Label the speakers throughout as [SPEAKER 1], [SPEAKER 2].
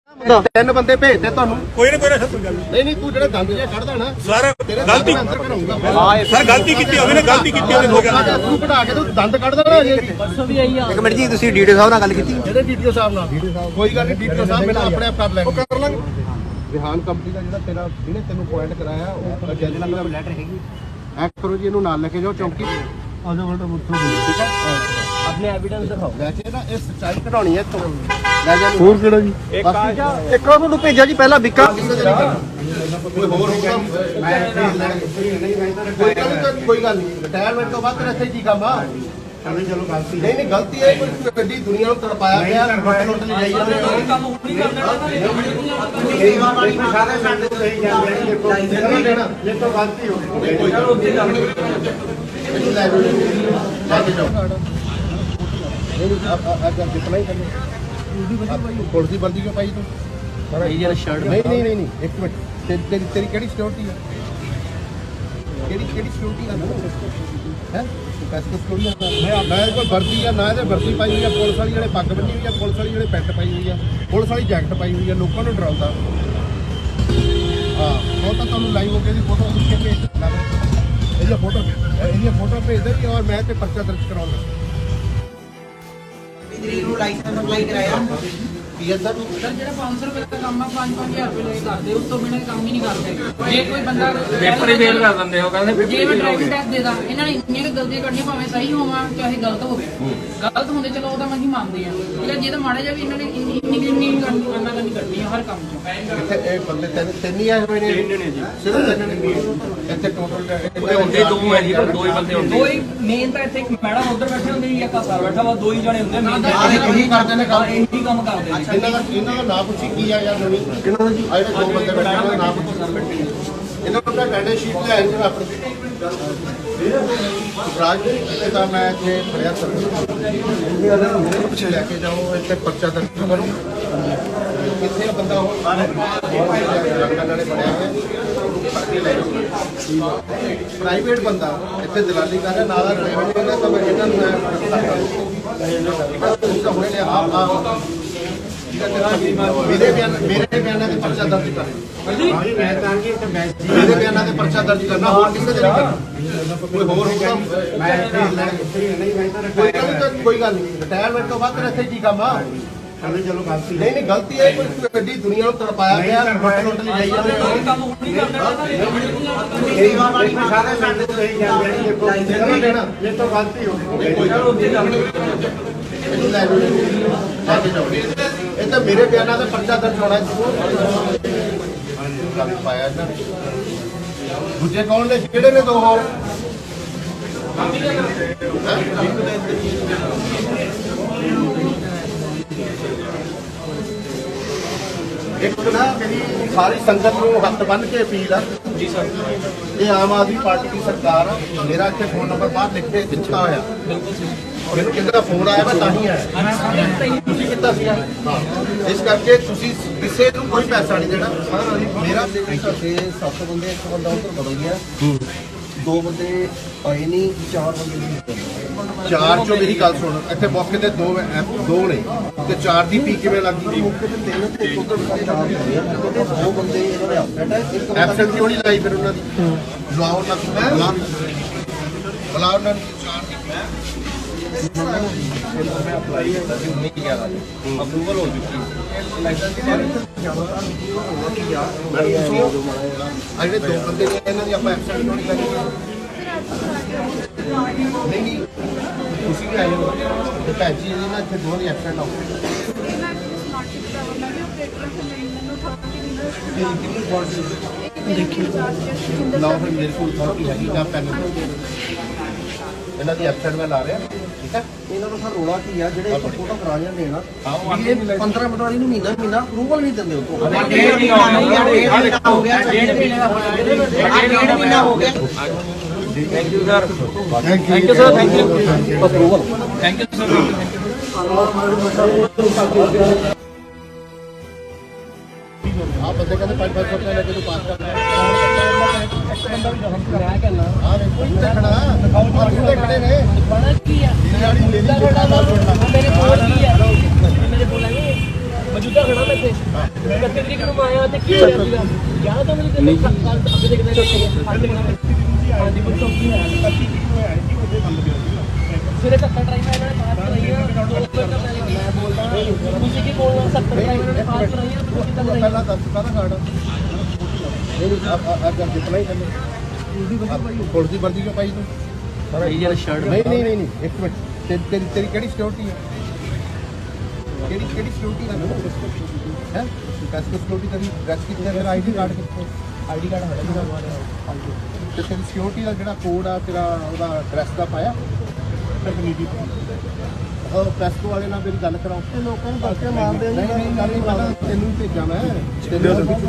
[SPEAKER 1] ਤਿੰਨ ਬੰਦੇ ਭੇਜਦੇ ਤੁਹਾਨੂੰ
[SPEAKER 2] ਕੋਈ ਨਾ ਕੋਈ ਗੱਲ
[SPEAKER 1] ਨਹੀਂ ਤੂੰ ਜਿਹੜਾ ਦੰਦ ਜਿਹਾ ਕੱਢਦਾ ਨਾ
[SPEAKER 2] ਸਰ ਗਲਤੀ ਸਰ ਗਲਤੀ ਕੀਤੀ ਹੋਵੇ ਨਾ ਗਲਤੀ ਕੀਤੀ ਹੋਵੇ ਹੋ ਗਿਆ
[SPEAKER 1] ਤੂੰ ਕਢਾ ਕੇ ਤੂੰ ਦੰਦ ਕੱਢਦਾ ਨਾ ਪਰਸੋਂ ਵੀ ਆਈ ਆ। ਇੱਕ ਮਿੰਟ ਜੀ ਤੁਸੀਂ ਡੀਡੀਓ ਸਾਹਿਬ ਨਾਲ ਗੱਲ ਕੀਤੀ ਜਿਹੜੇ ਡੀਡੀਓ ਸਾਹਿਬ ਨਾਲ ਕੋਈ ਗੱਲ ਨਹੀਂ ਡੀਡੀਓ ਸਾਹਿਬ ਮੈਨੂੰ ਆਪਣੇ ਆਪ ਕਰ ਲੈਣਗੇ ਕਰ ਲਾਂਗੇ। ਵਿਹਾਨ ਕੰਪਨੀ ਦਾ ਜਿਹੜਾ ਤੇਰਾ ਜਿਹਨੇ ਤੈਨੂੰ ਪੁਆਇੰਟ ਕਰਾਇਆ ਉਹ ਜੱਜ ਨਾਲ ਲੈਟਰ ਹੈਗੀ ਐਕ ਕਰੋ ਜੀ ਇਹਨੂੰ ਨਾਲ ਲੈ ਕੇ ਜਾਓ ਚੌਂਕੀ ਆ ਜਾਓ ਬਲਟਾ ਮੁੱਠੋ ਠੀਕ ਹੈ ਆਪਣੇ ਐਵੀਡੈਂਸ ਦਿਖਾਓ ਵੈਸੇ ਨਾ ਇਹ ਸੱਚਾਈ ਕਢਾਉਣੀ ਹੈ ਤੋਂ ਲੈ ਜਾ ਹੋਰ ਕਿਹੜਾ ਜੀ ਇੱਕ ਉਹਨੂੰ ਭੇਜਿਆ ਜੀ ਪਹਿਲਾਂ ਵਿੱਕਾ ਕੋਈ ਹੋਰ ਹੋਊਗਾ ਕੋਈ ਗੱਲ ਨਹੀਂ ਰਿਟਾਇਰਮੈਂਟ ਤੋਂ ਬਾਅਦ ਤੇਰਾ ਇੱਥੇ ਕੀ ਕੰਮ ਆ ਚਲੋ ਗਲਤੀ ਨਹੀਂ ਗਲਤੀ ਹੈ ਕੋਈ ਗੱਡੀ ਦੁਨੀਆ ਨੂੰ ਤੜਪਾਇਆ ਗਿਆ ਲੁੱਟ ਲਈ ਜਾਈ ਜਾਂਦੇ ਕੰਮ ਨਹੀਂ ਕਰਦੇ ਗਰੀਬਾਂ ਵਾਲੀ ਸਾਰੇ ਸਾਡੇ ਤੋਂ ਸਹੀ ਜਾਂਦੇ ਨੇ ਦੇਖੋ ਜੇ ਤੋਂ ਗਲਤੀ ਹੋ ਗਈ ਕੋਈ ਗੱਲ ਉੱਥੇ ਚੱਲ ਇਹਨੂੰ ਲੈ ਜਾਓ ਅੱਜ ਜਿਤਨਾ ਹੀ ਕਰਨਾ ਪੁਲਿਸ ਦੀ ਵਰਦੀ ਕਿਉਂ ਪਾਈ ਤੂੰ ਇਹ ਜਿਹੜਾ ਸ਼ਰਟ ਨਹੀਂ ਇੱਕ ਮਿੰਟ ਤੇਰੀ ਕਿਹੜੀ ਸਿਕਿਉਰਿਟੀ ਹੈ ਕਿਹੜੀ ਸਿਕਿਉਰਿਟੀ ਹੈ ਪੈਸੇ ਸਿਕਿਉਰਿਟੀ ਹੈ ਮੈਂ ਕੋਈ ਵਰਦੀ ਆ ਨਾ ਇਹਦੇ ਵਰਦੀ ਪਾਈ ਹੋਈ ਆ ਪੁਲਿਸ ਵਾਲੀ ਜਿਹੜੇ ਪੱਗ ਬੰਨੀ ਹੋਈ ਆ ਪੁਲਿਸ ਵਾਲੀ ਜਿਹੜੇ ਪੈਂਟ ਪਾਈ ਹੋਈ ਆ ਪੁਲਿਸ ਵਾਲੀ ਜੈਕਟ ਪਾਈ ਹੋਈ ਆ ਲੋਕਾਂ ਨੂੰ ਡਰਾਉਂਦਾ ਹਾਂ ਉਹ ਤਾਂ ਤੁਹਾਨੂੰ ਲਾਈਵ ਹੋ ਕੇ ਦੀ ਫੋਟੋ ਖਿੱਚ ਕੇ ਭੇਜ ਦਿੰਦਾ ਇਹਦੀਆਂ ਫੋਟੋ ਭੇਜ ਦੇ ਔਰ ਮੈਂ ਤੇ ਪਰਚਾ ਦਰਜ ਕਰਾਉਣਾ
[SPEAKER 3] ਬਿਜਲੀ ਨੂੰ ਲਾਇਸੈਂਸ ਅਪਲਾਈ ਕਰਾਇਆ
[SPEAKER 1] ਕੀ ਹੈ ਸਰ
[SPEAKER 4] ਜਿਹੜਾ 500 ਰੁਪਏ ਦਾ ਕੰਮ ਆ 5-5000 ਰੁਪਏ ਲੈ ਕੇ ਕਰਦੇ ਉਸ ਤੋਂ ਬਿਨਾਂ ਕੰਮ ਹੀ ਨਹੀਂ ਕਰਦੇ ਜੇ ਕੋਈ ਬੰਦਾ
[SPEAKER 5] ਪੇਪਰ ਹੀ ਫੇਲ ਕਰ ਦਿੰਦੇ ਹੋ ਕਹਿੰਦੇ
[SPEAKER 4] ਜੇ ਮੈਂ ਡਰਾਈਵਿੰਗ ਟੈਸਟ ਦੇਦਾ ਇਹਨਾਂ ਨੇ ਇੰਨੀਆਂ ਕੁ ਗਲਤੀਆਂ ਕਰਨੀਆਂ ਭਾਵੇਂ ਸਹੀ ਹੋਵਾਂ ਚਾਹੇ ਗਲਤ ਹੋਵੇ ਗਲਤ ਹੁੰਦੇ ਚਲੋ ਉਹ ਤਾਂ ਅਸੀਂ ਮੰਨਦੇ ਆ ਜਿਹੜਾ ਜੇ ਤਾਂ ਮਾੜਾ ਜਿਹਾ ਵੀ ਇਹਨਾਂ ਨੇ ਇੰਨੀ ਕਰਨੀ ਆ ਹਰ ਕੰਮ 'ਚ
[SPEAKER 1] ਇੱਥੇ ਇਹ ਬੰਦੇ ਤਿੰਨ ਹੀ ਆਏ ਹੋਏ ਨੇ ਸਿਰਫ ਤਿੰਨ ਨੇ ਇੱਥੇ ਟੋਟਲ
[SPEAKER 5] ਹੁੰਦੇ ਦੋ ਹੈ ਜੀ ਦੋ ਹੀ ਬੰਦੇ ਹੁੰਦੇ
[SPEAKER 4] ਦੋ ਹੀ ਮੇਨ ਤਾਂ ਇੱਥੇ ਇੱਕ ਮੈਡਮ ਉੱਧਰ ਬੈਠੇ ਹੁੰਦੇ ਨੇ ਇੱਕ ਸਰ ਬੈਠਾ ਵਾ ਦੋ ਹੀ ਜਣੇ ਹੁੰਦੇ ਨੇ
[SPEAKER 1] ਇਹੀ ਕਰਦੇ ਨੇ ਕੰਮ
[SPEAKER 4] ਇਹੀ ਕੰਮ ਕਰਦੇ ਨੇ
[SPEAKER 1] ਇਹਨਾਂ ਦਾ ਨਾਮ ਪੁੱਛੀ ਕੀ ਆ ਯਾਰ ਨਵੀਂ ਕਿਹਨਾਂ ਦਾ ਜੀ ਆ ਜਿਹੜੇ ਦੋ ਬੰਦੇ ਬੈਠੇ ਉਹਨਾਂ ਦਾ ਨਾਮ ਪੁੱਛੀ ਇਹਨਾਂ ਨੂੰ ਤਾਂ ਡੈਂਡੇ ਸ਼ੀਟ ਲੈ ਆਏ ਆਪਣੀ ਰਾਜ ਇਹ ਤਾਂ ਮੈਂ ਇੱਥੇ ਫੜਿਆ ਸਰ ਪਿੱਛੇ ਲੈ ਕੇ ਜਾਓ ਇੱਥੇ ਪਰਚਾ ਦਰਜ ਕਰੋ ਕਿੱਥੇ ਆ ਬੰਦਾ ਉਹ ਨਾਲੇ ਫੜਿਆ ਹੋਇਆ ਪ੍ਰਾਈਵੇਟ ਬੰਦਾ ਇੱਥੇ ਦਲਾਲੀ ਕਰ ਰਿਹਾ ਨਾਲ ਰੈਵਨਿਊ ਦਾ ਤਾਂ ਇਹਨਾਂ ਨੂੰ ਹੁਣੇ ਮੇਰੇ ਬਿਆਨਾਂ ਤੇ ਪਰਚਾ ਦਰਜ ਕਰਨਾ ਮੇਰੇ ਬਿਆਨਾਂ ਤੇ ਪਰਚਾ ਦਰਜ ਕਰਨਾ ਹੋਰ ਕਿਸੇ ਦੇ ਨਹੀਂ ਕਰਨਾ ਕੋਈ ਹੋਰ ਹੋਊਗਾ ਕੋਈ ਗੱਲ ਨਹੀਂ ਰਿਟਾਇਰਮੈਂਟ ਤੋਂ ਬਾਅਦ ਤੇਰਾ ਇੱਥੇ ਕੀ ਕੰਮ ਆ ਚਲੋ ਗਲਤੀ ਨਹੀਂ ਗਲਤੀ ਹੈ ਕੋਈ ਗੱਡੀ ਦੁਨੀਆ ਨੂੰ ਤੜਪਾਇਆ ਗਿਆ ਲੁੱਟ ਲਈ ਜਾਈ ਜਾਂਦੇ
[SPEAKER 4] ਕੰਮ ਨਹੀਂ ਕਰਦੇ
[SPEAKER 1] ਗਰੀਬਾਂ ਵਾਲੀ ਸਾਰੇ ਸਾਡੇ ਤੋਂ ਸਹੀ ਜਾਂਦੇ ਨੇ ਦੇਖੋ ਜੇ ਤੋਂ ਗਲਤੀ ਹੋ ਗਈ ਕੋਈ ਗੱਲ ਉੱਥੇ ਚੱਲ ਇਹਨੂੰ ਲੈ ਜਾਓ ਇਹ ਤਾਂ ਮੇਰੇ ਬਿਆਨਾਂ ਦਾ ਪਰਚਾ ਦਰਜ ਹੋਣਾ ਗੱਲ ਪਾਇਆ ਇਹਨਾਂ ਦੂਜੇ ਕੌਣ ਨੇ ਕਿਹੜੇ ਨੇ ਦੋ ਹੋਰ ਇੱਕ ਨਾ ਮੇਰੀ ਸਾਰੀ ਸੰਗਤ ਨੂੰ ਹੱਥ ਬੰਨ੍ਹ ਕੇ ਅਪੀਲ ਆ ਜੀ ਸਰ ਇਹ ਆਮ ਆਦਮੀ ਪਾਰਟੀ ਦੀ ਸਰਕਾਰ ਆ ਮੇਰਾ ਇੱਥੇ ਫੋਨ ਨੰਬਰ ਬਾਹਰ ਲਿਖ ਕੇ ਦਿੱਤਾ ਹੋਇਆ ਮੈਨੂੰ ਕਿਸੇ ਦਾ ਫੋਨ ਆਇਆ ਮੈਂ ਤਾਂ ਹੀ ਆਇਆ ਤੁਸੀਂ ਕੀਤਾ ਸੀਗਾ ਹਾਂ ਇਸ ਕਰਕੇ ਤੁਸੀਂ ਕਿਸੇ ਨੂੰ ਕੋਈ ਪੈਸਾ ਨਹੀਂ ਦੇਣਾ ਮੇਰਾ ਸਾਡੇ 7 ਬੰਦੇ ਇੱਕ ਬੰਦਾ ਉੱਧਰ ਬਦਲ ਗਿਆ ਦੋ ਬੰਦੇ ਆਏ ਨਹੀਂ ਚਾਰ ਬੰਦੇ ਚਾਰ ਚੋਂ ਮੇਰੀ ਗੱਲ ਸੁਣ ਇੱਥੇ ਮੌਕੇ ਤੇ ਦੋ ਨੇ ਤੇ ਚਾਰ ਦੀ ਪੀ ਕਿਵੇਂ ਲੱਗੀ ਮੌਕੇ ਤੇ ਤਿੰਨ ਤੇ ਉੱਧਰ ਦੋ ਬੰਦੇ ਇਹਨਾਂ ਨੇ ਐਬਸੈਂਟ ਕਿਉਂ ਨਹੀਂ ਲਾਈ ਫਿਰ ਉਹਨਾਂ ਦੀ ਬੁਲਾਓ ਨਾ ਬੁਲਾਓ ਨਾ ਚਾਰ ਦੀ ਮੈਂ ਅਪਲਾਈ ਨਹੀਂ ਕੀਤਾ ਅਪਰੂਵਲ ਹੋ ਚੁੱਕੀ ਲਾਇਸੈਂਸ ਦੀ ਜਿਹੜੇ ਦੋ ਬੰਦੇ ਨੇ ਇਹਨਾਂ ਦੀ ਆਪਾਂ ਐਬਸੈਂਟ ਕਿਉਂ ਨਹੀਂ ਲਾਈ ਨਹੀਂ ਤੁਸੀਂ ਵੀ ਆਏ ਹੋ ਤੇ ਭੈਣ ਜੀ ਇਹਦੇ ਨਾਲ ਇੱਥੇ ਦੋ ਨਹੀਂ ਐਬਸੈਂਟ ਹੋ ਲਾਓ ਫਿਰ ਮੇਰੇ ਕੋਲ ਅਥਾਰਟੀ ਹੈਗੀ ਜਾਂ ਪੈਨ ਇਹਨਾਂ ਦੀ ਐਬਸੈਂਟ ਮੈਂ ਲਾ ਰਿਹਾ ਠੀਕ ਹੈ ਇਹਨਾਂ ਨੂੰ ਸਰ ਰੋਲਾ ਕੀ ਆ ਜਿਹੜੇ ਇੱਥੇ ਫੋਟੋ ਕਰਾ ਜਾਂਦੇ ਨਾ 15 ਮਿੰਟ ਵਾਲੀ ਨੂੰ ਮਹੀਨਾ ਅਪਰੂਵਲ ਨਹੀਂ ਦਿੰਦੇ ਉਹ ਹੋ ਗਿਆ
[SPEAKER 5] thank you sir
[SPEAKER 1] approval
[SPEAKER 5] thank you sir
[SPEAKER 1] आप बंदे कहते 500 रुपये लेके तो पास करना है एक बंदा भी हम करा के ना हां कोई खड़ा दिखाओ और खड़े ने बड़ा की है गाड़ी ले ली मेरे बोल की है मेरे बोला नहीं
[SPEAKER 6] ਮੌਜੂਦਾ ਖੜਾ ਮੈਂ ਇੱਥੇ 31 ਤਰੀਕ ਨੂੰ ਆਇਆ ਤੇ ਕੀ ਹੋਇਆ ਸੀਗਾ ਯਾਦ ਤਾਂ ਮੈਨੂੰ ਤੇ ਅੱਗੇ ਦੇਖਦੇ ਹਾਂਜੀ ਪੁੱਛੋ ਕੀ ਹੋਇਆ ਸਿਰੇ 70 ਡਰਾਈਵਰ ਇਹਨਾਂ ਨੇ ਪਾਸ ਕਰਾਈਆਂ 2 ਮਿੰਟ ਮੈਂ ਬੋਲਦਾ ਤੁਸੀਂ ਕੀ ਬੋਲਣਾ 70 ਡਰਾਈਵਰ ਨੇ ਪਾਸ ਕਰਾਈਆਂ ਤੁਸੀਂ ਕਿੱਦਾਂ ਕਰਾਈਆਂ
[SPEAKER 1] ਪਹਿਲਾਂ ਦੱਸ ਕਾਹਦਾ ਕਾਰਡ ਆ ਜਦ ਜਿਤਨਾ ਹੀ ਕਰਨੇ ਪੁਲਿਸ ਦੀ ਵਰਦੀ ਕਿਉਂ ਪਾਈ ਤੂੰ
[SPEAKER 5] ਇਹ ਜਿਹੜਾ ਸ਼ਰਟ
[SPEAKER 1] ਨਹੀਂ ਇੱਕ ਮਿੰਟ ਤੇਰੀ ਕਿਹੜੀ ਸਿਕਿਉਰਿਟੀ ਹੈ ਕਿਹੜੀ ਸਿਕਿਉਰਿਟੀ ਹੈ ਕੈਸਕੋ ਸਿਕਿਉਰਿਟੀ ਤੇਰੀ ਡਰੈਸ ਕਿੱਥੇ ਹੈ ਤੇਰਾ ਆਈਡੀ ਕਾਰਡ ਕਿੱਥੇ ਆਈਡੀ ਕਾਰਡ ਹੋਣਾ ਤੇ ਤੇਰੀ ਸਿਕਿਉਰਿਟੀ ਦਾ ਜਿਹੜਾ ਕੋਡ ਆ ਤੇਰਾ ਉਹਦਾ ਡਰੈਸ ਦਾ ਪਾਇਆ ਤਕਨੀਕੀ ਉਹ ਕੈਸਕੋ ਵਾਲੇ ਨਾਲ ਮੇਰੀ ਗੱਲ ਕਰਾਓ ਤੇ ਲੋਕਾਂ ਨੂੰ ਦੱਸ ਕੇ ਮਾਰਦੇ ਆ ਨਹੀਂ ਗੱਲ ਨਹੀਂ ਪਤਾ ਤੈਨੂੰ ਭੇਜਾਂ ਮੈਂ ਤੈਨੂੰ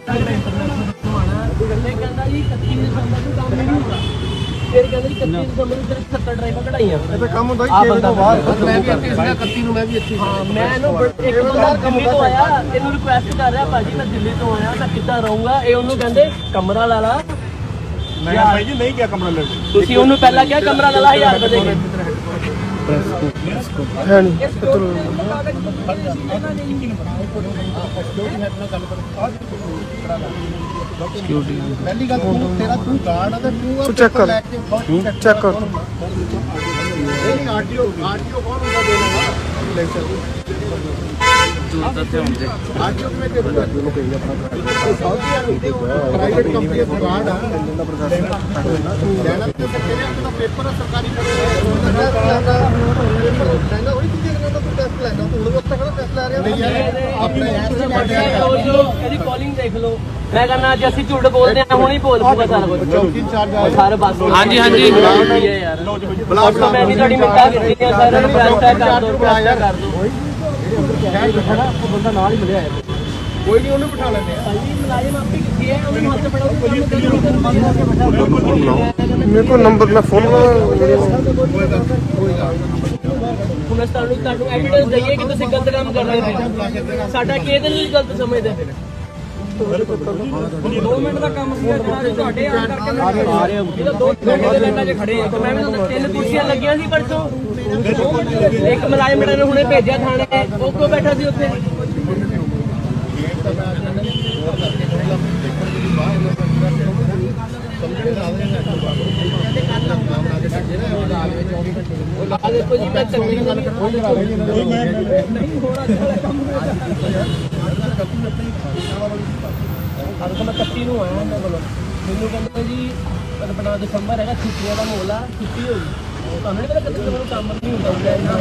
[SPEAKER 6] ਗੱਲੇ ਕਹਿੰਦਾ ਜੀ 31 ਦਸੰਬਰ ਨੂੰ ਕੰਮ ਨਹੀਂ ਹੋਣਾ ਫਿਰ ਕਹਿੰਦਾ ਜੀ 31 ਦਸੰਬਰ ਨੂੰ ਤੇਰੇ 70 ਡਰਾਈਵਰ ਕਢਾਈਆਂ
[SPEAKER 1] ਇਹ ਤਾਂ ਕੰਮ ਹੁੰਦਾ ਹੀ 6 ਤੋਂ ਬਾਅਦ ਮੈਂ ਵੀ ਇੱਥੇ ਸੀਗਾ 31 ਨੂੰ ਮੈਂ ਵੀ ਇੱਥੇ
[SPEAKER 6] ਹਾਂ ਮੈਂ ਇਹਨੂੰ ਇੱਕ ਬੰਦਾ ਦਿੱਲੀ ਤੋਂ ਆਇਆ ਇਹਨੂੰ ਰਿਕੁਐਸਟ ਕਰ ਰਿਹਾ ਭਾਜੀ ਮੈਂ ਦਿੱਲੀ ਤੋਂ ਆਇਆ ਮੈਂ ਕਿੱਦਾਂ ਰਹੂੰਗਾ ਇਹ ਉਹਨੂੰ ਕਹਿੰਦੇ ਕਮਰਾ ਲਾ ਲਾ
[SPEAKER 2] ਮੈਂ ਭਾਈ ਜੀ ਨਹੀਂ ਕਿਹਾ ਕਮਰਾ ਲੈ
[SPEAKER 6] ਤੁਸੀਂ ਉਹਨੂੰ ਪਹਿਲਾਂ ਕਿਹਾ ਕਮਰਾ ਲਾ ਲਾ 1000 ਰੁਪਏ ਦੇ ਕੇ
[SPEAKER 1] ਹੈ ਨਹੀਂ ਪਹਿਲੀ ਗੱਲ ਤੇਰਾ ਤੂੰ ਕਾਰਡ ਆ ਤੇ ਤੂੰ ਚੈੱਕ ਕਰ ਚੈੱਕ ਕਰ ਇਹ ਆਰਟੀਓ ਕੌਣ ਹੁੰਦਾ ਦੇਣਾ ਆਰਟੀਓ ਕਿਵੇਂ ਦੇ ਦੂਗਾ ਜਿਹਨੂੰ ਕਹੀ ਆਪਣਾ ਪ੍ਰਾਈਵੇਟ ਕੰਪਨੀ ਦਾ ਕਾਰਡ ਆ ਲੈਣਾ ਤੇ ਕਿਹੜਾ ਪੇਪਰ ਆ ਸਰਕਾਰੀ ਲੈਣਾ ਉਹੀ ਚੀਜ਼ ਲੈਣਾ ਤੂੰ ਟੈਸਟ ਲੈਣਾ ਤੂੰ ਉਹ ਤੱਕ ਟੈਸਟ ਲੈ ਰਿਹਾ ਆਪਣੇ
[SPEAKER 6] ਇਹਦੀ ਕਾਲਿੰਗ ਦੇਖ ਲਓ ਮੈਂ ਕਹਿੰਦਾ ਅੱਜ ਅਸੀਂ ਝੂਠ ਬੋਲਦੇ ਆ ਹੁਣ ਹੀ ਬੋਲ ਪੂਗਾ ਸਾਰਾ ਕੁਝ
[SPEAKER 1] ਚੌਕੀ ਇੰਚਾਰਜ ਆ
[SPEAKER 6] ਸਾਰੇ ਬਸ
[SPEAKER 5] ਹਾਂਜੀ
[SPEAKER 6] ਯਾਰ ਮੈਂ ਵੀ ਤੁਹਾਡੀ ਮਿੰਟਾਂ ਕੀਤੀਆਂ ਸਾਰਿਆਂ ਨੂੰ ਪ੍ਰੈਸ ਕਰ ਦੋ
[SPEAKER 1] ਬੰਦਾ ਨਾਲ ਹੀ ਮਿਲਿਆ ਕੋਈ ਨਹੀਂ ਉਹਨੂੰ ਬਿਠਾ ਲੈਂਦੇ ਆ
[SPEAKER 6] ਮੁਲਾਜ਼ਮ ਆਪੇ ਕਿੱਥੇ ਹੈ ਉਹਨੂੰ ਹੱਥ ਫੜਾਓ
[SPEAKER 1] ਮੇਰੇ ਕੋਲ ਨੰਬਰ ਮੈਂ ਫੋਨ
[SPEAKER 6] ਹੁਣ ਤੁਹਾਨੂੰ ਐਵੀਡੈਂਸ ਦਈਏ ਕਿ ਤੁਸੀਂ ਗਲਤ ਕੰਮ ਕਰ ਰਹੇ ਹੋ ਸਾਡਾ ਕਿਹਦੇ ਲਈ ਗਲਤ ਸਮਝਦੇ ਫਿਰ 2 ਮਿੰਟ ਦਾ ਕੰਮ ਸੀ ਤੁਹਾਡੇ ਆਣ ਕਰਕੇ ਆ ਰਹੇ ਹੋ 2 ਘੰਟੇ ਦੇ ਲਾਈਨਾਂ 'ਚ ਖੜੇ ਆ ਮੈਂ ਵੀ ਤਾਂ 3 ਕੁਰਸੀਆਂ ਲੱਗੀਆਂ ਸੀ ਪਰਸੋਂ ਇੱਕ ਮੁਲਾਜ਼ਮ ਨੇ ਹੁਣੇ ਭੇਜਿਆ ਥਾਣੇ ਉਹ ਕੋ ਬੈਠਾ ਸੀ ਉੱਥੇ ਆ ਦੇਖੋ ਜੀ ਮੈਂ ਤਕਲੀਫ ਗੱਲ ਅੱਜ ਤਾਂ ਮੈਂ 31 ਨੂੰ ਆਇਆ ਉਹਨਾਂ ਕੋਲ ਮੈਨੂੰ ਕਹਿੰਦਾ ਜੀ ਆਪਣਾ ਦਸੰਬਰ ਹੈਗਾ ਛੁੱਟੀਆਂ ਦਾ ਮਾਹੌਲ ਆ ਛੁੱਟੀ ਹੋਈ ਤੁਹਾਨੂੰ ਨਹੀਂ ਪਤਾ ਕਦੇ ਮੈਨੂੰ ਕੰਮ ਨਹੀਂ ਹੁੰਦਾ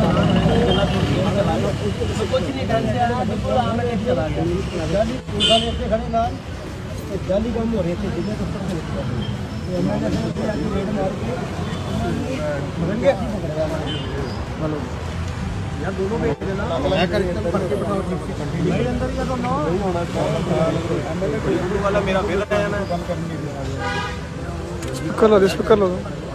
[SPEAKER 6] ਕੁਝ ਨਹੀਂ ਕਰਦਾ ਦੇਖੋ ਆ ਮੈਂ ਕਿੱਥੇ ਚਲਾ ਗਿਆ
[SPEAKER 1] ਜਾਲੀ ਉਹਨਾਂ ਨੇ ਇੱਥੇ ਖੜੇ ਨਾਲ ਜਾਲੀ ਕੰਮ ਹੋ ਰਹੀ ਇੱਥੇ ਜਿੰਨੇ ਦਫ਼ਤਰ ਦੇ ਵਿੱਚ ਇਹਨਾਂ ਨੇ ਰੇਡ ਮਾਰ ਕੇ ਮਰਨਗੇ ਹਲੋ ਯਾਰ ਦੋਨੋਂ ਵੇਚ ਦੇਣਾ ਮੈਂ ਕਰ ਇੱਥੇ ਫੜ ਕੇ ਬਿਠਾਓ ਨਹੀਂ ਅੰਦਰ ਹੀ ਆ ਤਾਂ ਨਹੀਂ ਹੋਣਾ ਐਮਐਲਏ ਕੋਈ ਵਾਲਾ ਮੇਰਾ ਫੇਲ ਆਇਆ ਨਾ ਗੱਲ ਕਰਨੀ ਸਪੀਕਰ ਲਾ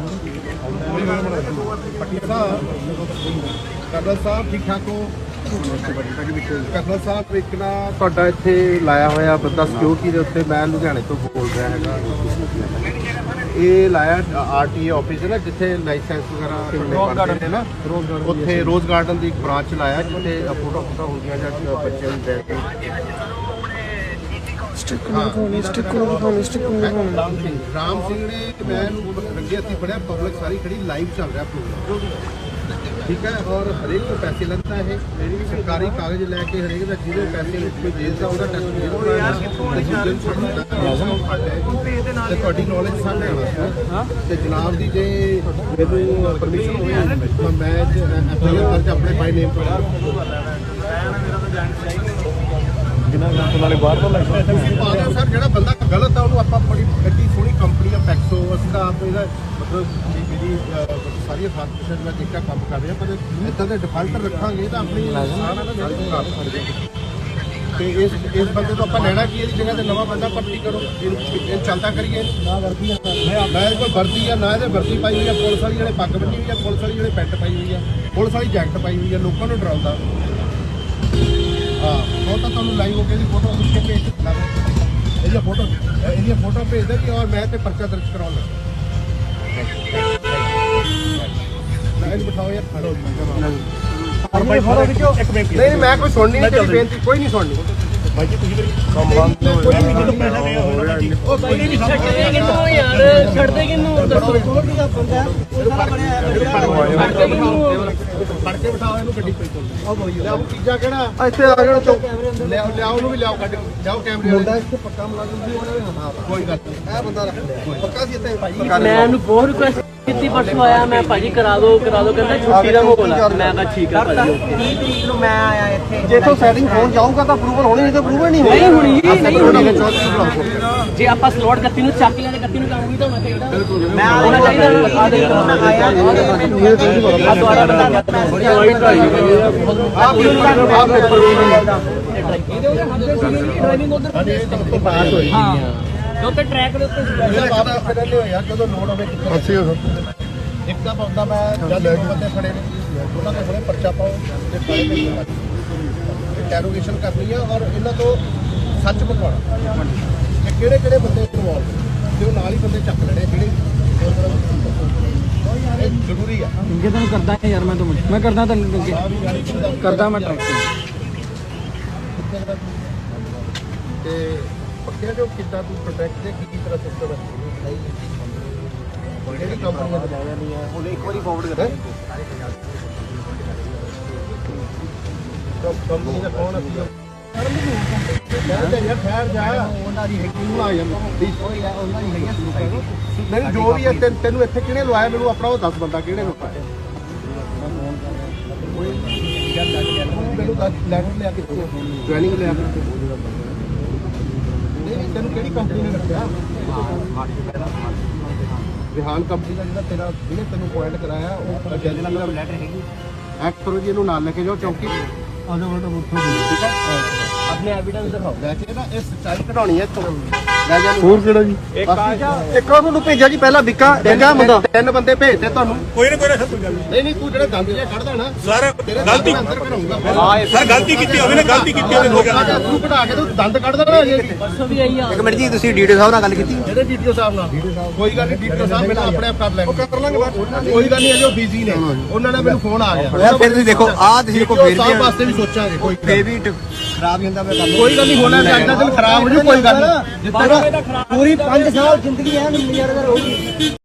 [SPEAKER 1] ਕਰਨਲ ਸਾਹਿਬ ਠੀਕ ਠਾਕ ਹੋ ਕਰਨਲ ਸਾਹਿਬ ਇੱਕ ਨਾ ਤੁਹਾਡਾ ਇੱਥੇ ਲਾਇਆ ਹੋਇਆ ਬੰਦਾ ਸਿਕਿਉਰਿਟੀ ਦੇ ਉੱਤੇ ਮੈਂ ਲੁਧਿਆਣੇ ਤੋਂ ਬੋਲ ਰਿਹਾ ਹੈਗਾ ਇਹ ਲਾਇਆ ਆਰਟੀ ਆਫਿਸ ਹੈ ਨਾ ਜਿੱਥੇ ਲਾਇਸੈਂਸ ਵਗੈਰਾ ਬਣਦੇ ਨੇ ਨਾ ਉੱਥੇ ਰੋਜ਼ ਗਾਰਡਨ ਦੀ ਇੱਕ ਬ੍ਰਾਂਚ ਲਾਇਆ ਜਿੱਥੇ ਫੋਟੋ ਹੁੰਦੀਆਂ ਜਾਂ ਬੱਚਿਆਂ ਦੀ ਬੈਠ ਕੇ ਰਾਮ ਸਿੰਘ ਨੇ ਮੈਂ ਅੱਗੇ ਅਸੀਂ ਫੜਿਆ ਪਬਲਿਕ ਸਾਰੀ ਖੜੀ ਲਾਈਵ ਚੱਲ ਰਿਹਾ ਪ੍ਰੋਗਰਾਮ ਠੀਕ ਹੈ ਔਰ ਹਰੇਕ ਤੋਂ ਪੈਸੇ ਲੈਂਦਾ ਇਹ ਮੇਰੀ ਵੀ ਸਰਕਾਰੀ ਕਾਗਜ਼ ਲੈ ਕੇ ਹਰੇਕ ਦਾ ਜਿਹਦੇ ਪੈਸੇ ਕੋਈ ਜੇਲ੍ਹ ਦਾ ਉਹਦਾ ਟੈਸਟ ਤੇ ਤੁਹਾਡੀ ਨੌਲੇਜ ਸਾਹਮਣੇ ਆਉਣਾ ਤੇ ਜਨਾਬ ਦੀ ਜੇ ਮੈਨੂੰ ਪਰਮਿਸ਼ਨ ਹੋਵੇ ਤਾਂ ਮੈਂ ਐਫਆਈਆਰ ਦਰਜ ਆਪਣੇ ਬਾਈ ਨੇਮ ਤੋਂ ਨਾਲੇ ਬਾਹਰ ਤੋਂ ਲੱਗਦਾ ਸਰ ਜਿਹੜਾ ਬੰਦਾ ਗਲਤ ਆ ਉਹਨੂੰ ਆਪਾਂ ਬੜੀ ਐਡੀ ਸੋਹਣੀ ਕੰਪਨੀ ਆ ਪੈਕਸੋ ਅਸੀਂ ਤਾਂ ਆਪ ਇਹਦਾ ਮਤਲਬ ਮੇਰੀ ਸਾਰੀਆਂ ਫਾਸਟ ਮੈਂ ਦੇਖਿਆ ਕੰਮ ਕਰ ਰਿਹਾ ਪਰ ਇੱਦਾਂ ਦੇ ਡਿਫਾਲਟਰ ਰੱਖਾਂਗੇ ਤਾਂ ਆਪਣੀ ਸਾਰਾ ਦਾ ਕਰ ਸਕਦੇ ਤੇ ਇਸ ਬੰਦੇ ਤੋਂ ਆਪਾਂ ਲੈਣਾ ਕੀ ਇਹਦੀ ਜਗ੍ਹਾ ਤੇ ਨਵਾਂ ਬੰਦਾ ਭਰਤੀ ਕਰੋ ਇਹ ਚੱਲਦਾ ਕਰੀਏ ਨਾ ਵਰਦੀ ਨਾ ਕੋਈ ਵਰਦੀ ਆ ਨਾ ਇਹਦੇ ਵਰਦੀ ਪਾਈ ਹੋਈ ਆ ਪੁਲਿਸ ਵਾਲੀ ਜਿਹੜੇ ਪੱਗ ਬੰਨੀ ਹੋਈ ਆ ਪੁਲਿਸ ਵਾਲੀ ਜਿਹੜੇ ਪੈਂਟ ਪਾਈ ਹੋਈ ਆ ਪੁਲਿਸ ਵਾਲੀ ਜੈਕਟ ਪਾਈ ਹੋਈ ਆ ਲੋਕਾਂ ਨੂੰ ਡਰਾਉਂਦਾ ਹਾਂ ਉਹ ਤਾਂ ਤੁਹਾਨੂੰ ਲਾਈਵ ਹੋ ਕੇ ਇਹਦੀ ਫੋਟੋ ਖਿੱਚ ਕੇ ਭੇਜ ਦਿੰਦਾ ਇਹਦੀਆਂ ਫੋਟੋ ਭੇਜ ਦੇ ਕਿ ਔਰ ਮੈਂ ਤੇ ਪਰਚਾ ਦਰਜ ਕਰਾਉਣਾ ਲਾਈਨ ਬਿਠਾਓ ਯਾਰ
[SPEAKER 2] ਇੱਕ ਬੇਨਤੀ
[SPEAKER 1] ਨਹੀਂ ਮੈਂ ਕੋਈ ਸੁਣਨੀ ਨਹੀਂ ਤੇਰੀ ਬੇਨਤੀ ਕੋਈ ਨਹੀਂ ਸੁਣਨੀ
[SPEAKER 2] ਭਾਈ ਜੀ ਤੁਸੀਂ ਕੋਈ ਨਹੀਂ ਜਦੋਂ ਪੈਸਾ ਲਿਆ ਹੋਣਾ ਜੀ ਉਹ ਕੋਈ ਨਹੀਂ
[SPEAKER 6] ਛੱਡਦੇ ਕਿਨੂੰ ਯਾਰ ਛੱਡਦੇ ਕਿਨੂੰ ਦੱਸੋ
[SPEAKER 1] ਫੜ ਕੇ ਬਿਠਾਓ ਇਹਨੂੰ ਗੱਡੀ ਪਈ ਲਿਆਓ ਤੀਜਾ ਕਿਹੜਾ ਇੱਥੇ ਆ ਜਾਣਾ ਚੌਕ ਲਿਆਓ ਉਹਨੂੰ ਵੀ ਲਿਆਓ ਕੱਢ ਲਿਆਓ ਕੈਮਰੇ ਮੁੰਡਾ ਇੱਥੇ ਪੱਕਾ ਮੁਲਾਜ਼ਮ ਸੀ ਉਹਨੇ ਕੋਈ ਗੱਲ ਨਹੀਂ ਇਹ ਬੰਦਾ ਪੱਕਾ ਸੀ ਇੱਥੇ
[SPEAKER 6] ਮੈਂ ਉਹਨੂੰ ਬਹੁਤ ਰਿਕੁਐਸਟ ਕੀਤੀ ਪਰਸੋਂ ਆਇਆ ਮੈਂ ਭਾਜੀ ਕਰਾ ਦੋ ਕਹਿੰਦਾ ਛੁੱਟੀ ਦਾ ਮਾਹੌਲ ਆ ਮੈਂ ਕਿਹਾ ਠੀਕ ਆ ਭਾਜੀ
[SPEAKER 3] 30 ਤਰੀਕ ਨੂੰ ਮੈਂ ਆਇਆ ਇੱਥੇ
[SPEAKER 1] ਜੇ ਤੋਂ ਸੈਟਿੰਗ ਹੋਣ ਜਾਊਗਾ ਤਾਂ ਅਪਰੂਵਲ ਹੋਣੀ ਨਹੀਂ ਤਾਂ ਅਪਰੂਵਲ ਨਹੀਂ
[SPEAKER 6] ਨਹੀਂ ਹੋਣੀ ਨਹੀਂ ਹੋਣੀ
[SPEAKER 1] 34 ਬੁਲਾਓ
[SPEAKER 6] ਜੇ ਆਪਾਂ ਸਲੋਟ 31 ਨੂੰ ਚੱਕ ਲਿਆ ਤੇ 31 ਨੂੰ ਕੰਮ ਵੀ ਤਾਂ ਹੋਣਾ ਚਾਹੀਦਾ
[SPEAKER 3] ਮੈਂ
[SPEAKER 6] ਹੋਣਾ ਚਾਹੀਦਾ
[SPEAKER 3] ਮੈਂ ਆਇਆ
[SPEAKER 6] ਆ ਦੁਆਰਾ ਬਤਾ
[SPEAKER 1] ਪਾਸ ਹੋਈ
[SPEAKER 6] ਹਾਂ ਤੇ ਉੱਤੇ ਟਰੈਕ ਦੇ ਉੱਤੇ
[SPEAKER 1] ਪਹਿਲੇ ਹੋਇਆ ਜਦੋਂ ਲੋਡ ਹੋਵੇ ਇੱਕ ਤਾਂ ਬੰਦਾ ਮੈਂ ਜਦ ਬੰਦੇ ਖੜੇ ਨੇ ਉਹਨਾਂ ਦੇ ਖੜੇ ਪਰਚਾ ਪਾਓ ਤੇ ਫਾਈਲ ਭੇਜੋ ਇੰਟਰੋਗੇਸ਼ਨ ਕਰਨੀ ਆ ਔਰ ਇਹਨਾਂ ਤੋਂ ਸੱਚ ਬਕਵਾਣਾ ਕਿ ਕਿਹੜੇ ਕਿਹੜੇ ਬੰਦੇ ਇਨਵੋਲਵ ਤੇ ਉਹ ਨਾਲ ਹੀ ਬੰਦੇ ਚੱਕ ਲੈਣੇ ਜਿਹੜੇ ਇਹ ਜ਼ਰੂਰੀ ਆ
[SPEAKER 6] ਇੰਗੇ ਤੈਨੂੰ ਕਰਦਾ ਯਾਰ ਮੈਂ ਕਰਦਾ ਤੈਨੂੰ ਅੱਗੇ ਕਰਦਾ ਮੈਂ ਟਰੈਕ
[SPEAKER 1] ਤੇ ਪੱਕਿਆ ਜੋ ਕਿੱਦਾਂ ਤੂੰ ਪ੍ਰੋਟੈਕਟ ਦੇ ਕੀ ਤਰ੍ਹਾਂ ਸਿਸਟਮ ਹੈ ਜਿਹੜੀ ਕੰਪਨੀ ਨੇ ਬਣਾਇਆ ਨਹੀਂ ਹੈ ਉਹਨੇ ਇੱਕ ਵਾਰੀ ਫਾਰਵਰਡ ਕਰ ਕੰਪਨੀ ਦਾ ਕੌਣ ਅਸੀਂ ਯਾਰ ਠਹਿਰ ਜਾ ਉਹਨਾਂ ਦੀ ਹੈਗੀ ਨੂੰ ਆ ਜਾਂਦਾ ਉਹਨਾਂ ਦੀ ਹੈਗੀ ਨਹੀਂ ਜੋ ਵੀ ਹੈ ਤੈਨੂੰ ਇੱਥੇ ਕਿਹਨੇ ਲਵਾਇਆ ਮੈਨੂੰ ਆਪਣਾ ਉਹ ਦੱਸ ਬੰਦਾ ਕਿਹਨੇ ਲਵਾਇਆ ਮੈਨੂੰ ਦੱਸ ਲੈਟਰ ਲਿਆ ਕੇ ਜੁਆਇਨਿੰਗ ਲਿਆ ਕੇ ਨਹੀਂ ਤੈਨੂੰ ਕਿਹੜੀ ਕੰਪਨੀ ਨੇ ਰੱਖਿਆ ਵਿਹਾਨ ਕੰਪਨੀ ਦਾ ਜਿਹੜਾ ਤੇਰਾ ਜਿਹਨੇ ਤੈਨੂੰ ਪੁਆਇੰਟ ਕਰਾਇਆ ਉਹ ਜੈਨੂਅਲ ਲੈਟਰ ਹੈਗੀ ਐਕਟ ਕਰੋ ਜੀ ਇਹਨੂੰ ਨਾਲ ਲੈ ਕੇ ਜਾਓ ਚੌਂਕੀ ਆਜੋ ਬੇਟਾ ਉੱਥੋਂ ਠੀਕ ਹੈ
[SPEAKER 6] ਆਪਣੇ ਐਵੀਡੈਂਸ ਦਿਖਾਓ
[SPEAKER 1] ਲੈ ਕੇ ਨਾ ਇਹ ਸੱਚਾਈ ਕਢਾਉਣੀ ਹੈ ਇੱਥੋਂ ਲੈ ਜਾ
[SPEAKER 2] ਹੋਰ ਕਿਹੜਾ ਜੀ
[SPEAKER 1] ਇੱਕ ਤੁਹਾਨੂੰ ਭੇਜਿਆ ਜੀ ਪਹਿਲਾਂ ਵਿੱਕਾ ਬੰਦਾ ਤਿੰਨ ਬੰਦੇ ਭੇਜਦੇ ਤੁਹਾਨੂੰ
[SPEAKER 2] ਕੋਈ ਨਾ ਸਰ ਕੋਈ ਗੱਲ
[SPEAKER 1] ਨਹੀਂ ਨਹੀਂ ਤੂੰ ਜਿਹੜਾ ਗੰਦ ਜਿਹਾ ਕੱਢਦਾ ਨਾ
[SPEAKER 2] ਸਰ
[SPEAKER 1] ਤੇਰੇ
[SPEAKER 2] ਗਲਤੀ
[SPEAKER 1] ਅੰਦਰ ਕਰਾਉਂਗਾ
[SPEAKER 2] ਸਰ ਗਲਤੀ ਕੀਤੀ ਹੋਵੇ ਨਾ ਗਲਤੀ ਕੀਤੀ ਹੋਵੇ ਹੋ ਗਿਆ
[SPEAKER 1] ਤੂੰ ਕਢਾ ਕੇ ਤੂੰ ਦੰਦ ਕੱਢਦਾ ਨਾ ਅਜੇ
[SPEAKER 6] ਪਰਸੋਂ ਵੀ ਆਈ ਆ
[SPEAKER 1] ਇੱਕ ਮਿੰਟ ਜੀ ਤੁਸੀਂ ਡੀਡੀਓ ਸਾਹਿਬ ਨਾਲ ਗੱਲ ਕੀਤੀ ਜਿਹੜੇ ਡੀਡੀਓ ਸਾਹਿਬ ਨਾਲ ਕੋਈ ਗੱਲ ਨਹੀਂ ਡੀਡੀਓ ਸਾਹਿਬ ਮੈਨੂੰ ਆਪਣੇ ਆਪ ਕਰ ਲੈਣਗੇ ਉਹ ਕਰ ਲਾਂਗੇ ਬਾਅਦ ਕੋਈ ਗੱਲ ਨਹੀਂ ਅਜੇ ਉਹ ਬਿਜ਼ੀ ਨੇ ਉਹਨਾਂ ਨੇ ਮੈਨੂੰ ਫੋਨ ਆ ਗਿਆ
[SPEAKER 7] ਯਾਰ ਫਿਰ ਤੁਸੀਂ ਦੇਖੋ ਆਹ ਤੁਸੀਂ ਕੋ ਫੇਰ
[SPEAKER 1] ਸਾਹਿਬ ਵਾਸਤੇ ਵੀ ਸੋਚਾਂਗੇ ਕੋਈ
[SPEAKER 7] ਫੇਰ ਵੀ ਖਰਾਬ ਹੀ ਹੁੰਦਾ ਮੈਂ ਕਰ
[SPEAKER 1] ਕੋਈ ਗੱਲ ਨਹੀਂ ਹੋਣਾ ਅੱਜ ਦਾ ਦਿਨ ਖਰਾਬ ਹੋ ਜੂ ਕੋਈ ਗੱਲ ਨਹੀਂ ਜਿੱਦਾਂ
[SPEAKER 7] ਪੂਰੀ 5 ਸਾਲ ਜ਼ਿੰਦਗੀ ਐ ਨਜ਼ਾਰੇਦਾਰ ਹੋਊਗੀ